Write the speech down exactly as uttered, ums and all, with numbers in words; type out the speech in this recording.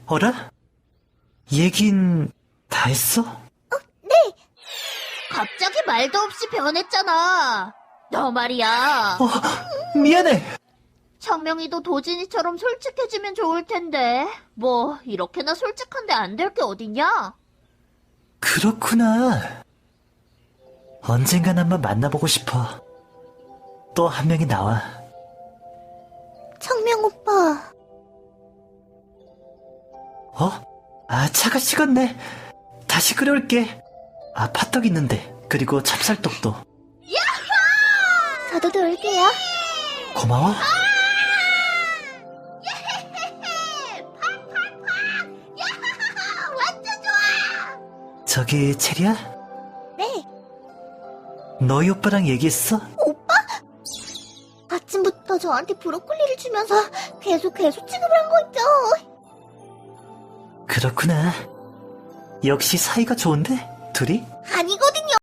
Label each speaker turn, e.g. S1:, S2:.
S1: 어라? 얘긴 다 했어?
S2: 네. 갑자기 말도 없이 변했잖아. 너 말이야.
S1: 어, 미안해.
S2: 청명이도 도진이처럼 솔직해지면 좋을 텐데. 뭐 이렇게나 솔직한데 안 될 게 어딨냐?
S1: 그렇구나. 언젠간 한번 만나보고 싶어. 또 한 명이 나와.
S2: 청명 오빠.
S1: 어? 아, 차가 식었네. 다시 끓여올게. 아, 팥떡 있는데. 그리고 찹쌀떡도.
S2: 저도 놀게요.
S1: 고마워.
S2: 완전 좋아.
S1: 저기, 체리야?
S2: 네.
S1: 너희 오빠랑 얘기했어?
S2: 오빠? 아침부터 저한테 브로콜리를 주면서 계속 계속 취급을 한 거 있죠.
S1: 그렇구나. 역시 사이가 좋은데? 둘이?
S2: 아니거든요.